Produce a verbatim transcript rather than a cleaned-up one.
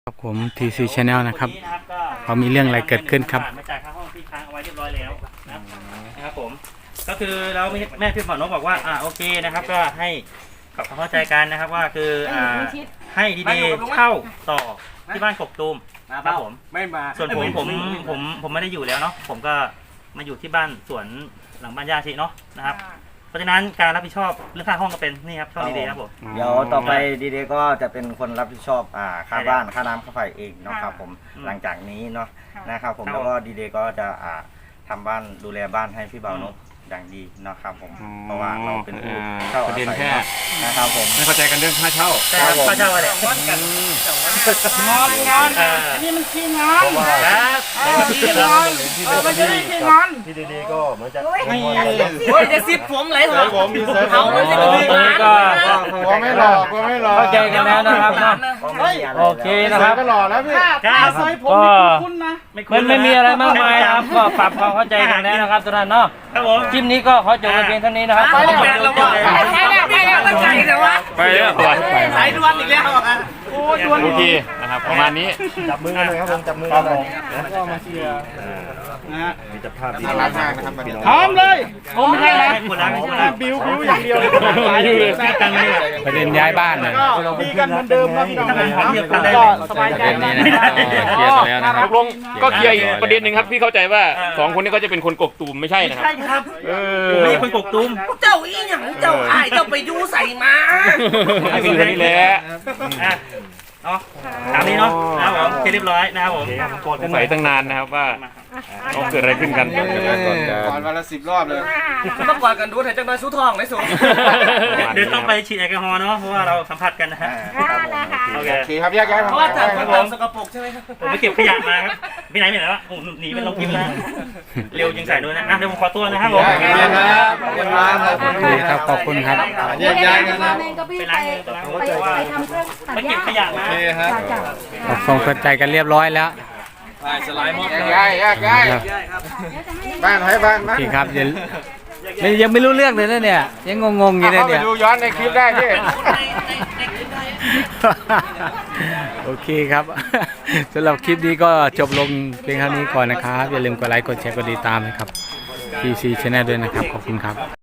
ครับผม ที ซี Channel นะครับเขามีเรื่องอะไรเกิดขึ้นครับมาจ่ายค่าห้องที่ค้างเอาไว้เรียบร้อยแล้วนะครับผมก็คือเราแม่พี่หมอนกบอกว่าอ่าโอเคนะครับก็ให้กับเข้าใจกันนะครับว่าคืออ่าให้ดีเดย์เช่าต่อที่บ้านกกตูมนะครับผมไม่มาส่วนผมผมผมผมไม่ได้อยู่แล้วเนาะผมก็มาอยู่ที่บ้านสวนหลังบ้านย่าชีเนาะนะครับเพราะฉะนั้นการรับผิดชอบเรื่องค่าห้องก็เป็นนี่ครับช่องดีเดย์ครับผมเดี๋ยวต่อไปดีเดย์ก็จะเป็นคนรับผิดชอบอ่าค่าบ้านค่าน้ำค่าไฟเองเนาะครับผมหลังจากนี้เนาะนะครับผมแล้วก็ดีเดย์ก็จะอ่าทำบ้านดูแลบ้านให้พี่บ่าวนกอย่างดีนะครับผมเพราะว่าเราเป็นผู้เช่าอาศัยนะครับผมไม่เข้าใจกันเรื่องค่าเช่าค่าเช่าอะไรงอนกันงอนงอนนี่มันขี้งอนครับขี้งอนเออมันจะไม่ขี้งอนพี่ดีๆก็เหมือนจะไม่โอ้ยจะซิปผมไหลหัวเขาไม่ใช่กระบี่มาก็ก็ไม่หลอกก็ไม่หลอกเข้าใจกันแล้วนะครับโอเคนะครับก็หลอกแล้วพี่ครับซอยผมคุณนะมันไม่มีอะไรมากมายครับก็ปรับความเข้าใจกันแล้วนะครับทุกท่านเนาะคลิปนี้ก็ขอจบกันเพียงเท่านี้นะครับไปแล้วไปแล้วไปแล้วไปแล้วไปแล้วไปแล้วสายด่วนอีกแล้วโอ้ด่วนโอเคนะครับประมาณนี้จับมือกันเลยครับผมจับมือกันเลยแล้วก็มาเชียร์นะฮะมีจับภาพที่น่ารักมากนะครับพร้อมเลยโอ้ไม่ใช่นะคนละคนละบิวบิวอย่างเดียวเลยประเด็นย้ายบ้านเลยดีกันเหมือนเดิมนะพี่น้องก็สบายใจนะเคลียร์แล้วนะครับตกลงก็เคลียร์อีกประเด็นหนึ่งครับพี่เข้าใจว่าสองคนนี้ก็จะเป็นคนกกตูมไม่ใช่นะครับใช่ครับเออไม่ใช่คนกกตูมเจ้าอีหยังเจ้าอ้ายเจ้าไปยูใส่มาคือคนนี้แหละเนาะตามนี้เนาะนะครับผมเรียบร้อยนะครับผมสงสัยตั้งนานนะครับว่าเขาเกิดอะไรขึ้นกันก่อนวันละสิบรอบเลยต้องกวาดกันดูถ่ายจังเลยสู้ทองได้สูงเดี๋ยวต้องไปฉีดแอลกอฮอล์เนาะเพราะว่าเราสัมผัสกันนะฮะโอเคครับแยกย้ายเพราะว่าจากผมสกปรกใช่ไหมครับผมไปเก็บขยะมาครับไปไหนไปไหนวะผมหนีไปลงกินแล้วเร็วยังใส่ด้วยนะเดี๋ยวผมขอตัวนะครับผมครับขอบคุณครับแยกย้ายกันนะไปล้างมือไปล้างมือไปเก็บขยะมาขอบคุณเข้าใจกันเรียบร้อยแล้วสไลด์มอแยกย้ายแยกย้ายบ้านให้บ้านพี่ครับยังยังไม่รู้เรื่องเลยนะเนี่ยยังงงๆอยู่เลยเนี่ยดูย้อนในคลิปได้พี่โอเคครับสำหรับคลิปนี้ก็จบลงเพียงเท่านี้ก่อนนะครับอย่าลืมกดไลค์กดแชร์กดติดตามนะครับ ที ซี Channel ด้วยนะครับขอบคุณครับ